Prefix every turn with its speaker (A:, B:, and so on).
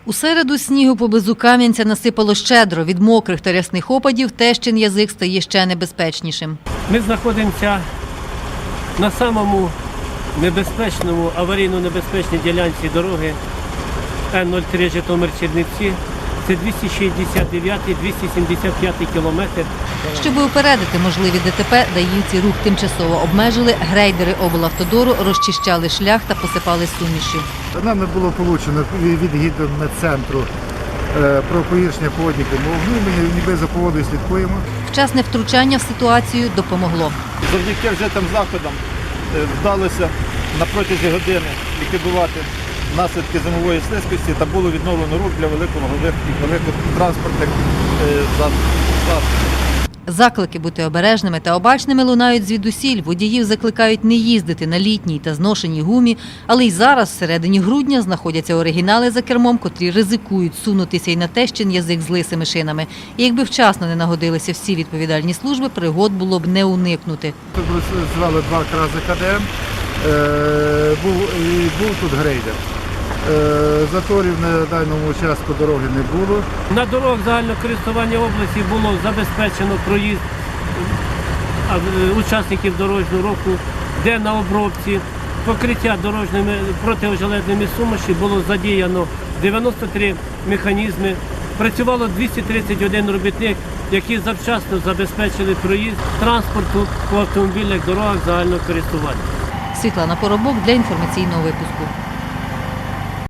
A: У середу снігу поблизу Кам'янця насипало щедро. Від мокрих та рясних опадів Тещин язик стає ще небезпечнішим.
B: Ми знаходимося на самому небезпечному, аварійно-небезпечній ділянці дороги Н-03 Житомир-Чернівці. Це 269-275 кілометр.
A: Щоб упередити можливі ДТП, даївці рух тимчасово обмежили, грейдери облавтодору розчищали шлях та посипали сумішю.
C: Нами було получено від гідрометцентру про погіршення погодних умов. Ми ніби за погодою слідкуємо.
A: Вчасне втручання в ситуацію допомогло.
D: Завдяки вжитим заходам вдалося на протязі години ліквідувати наслідки зимової слизькості та було відновлено рух для великотранспортних засобів.
A: Заклики бути обережними та обачними лунають звідусіль. Водіїв закликають не їздити на літній та зношеній гумі, але й зараз, всередині грудня, знаходяться оригінали за кермом, котрі ризикують сунутися й на Тещин язик з лисими шинами. І якби вчасно не нагодилися всі відповідальні служби, пригод було б не уникнути.
C: Тут звали два крази КДМ, був тут грейдер. Заторів на даному участку дороги не було.
B: На дорогах загального користування області було забезпечено проїзд учасників дорожнього руху, де на обробці покриття дорожніми протиожеледними суміші було задіяно 93 механізми. Працювало 231 робітник, які завчасно забезпечили проїзд транспорту по автомобільних дорогах загального користування.
A: Світлана Поробок для інформаційного випуску.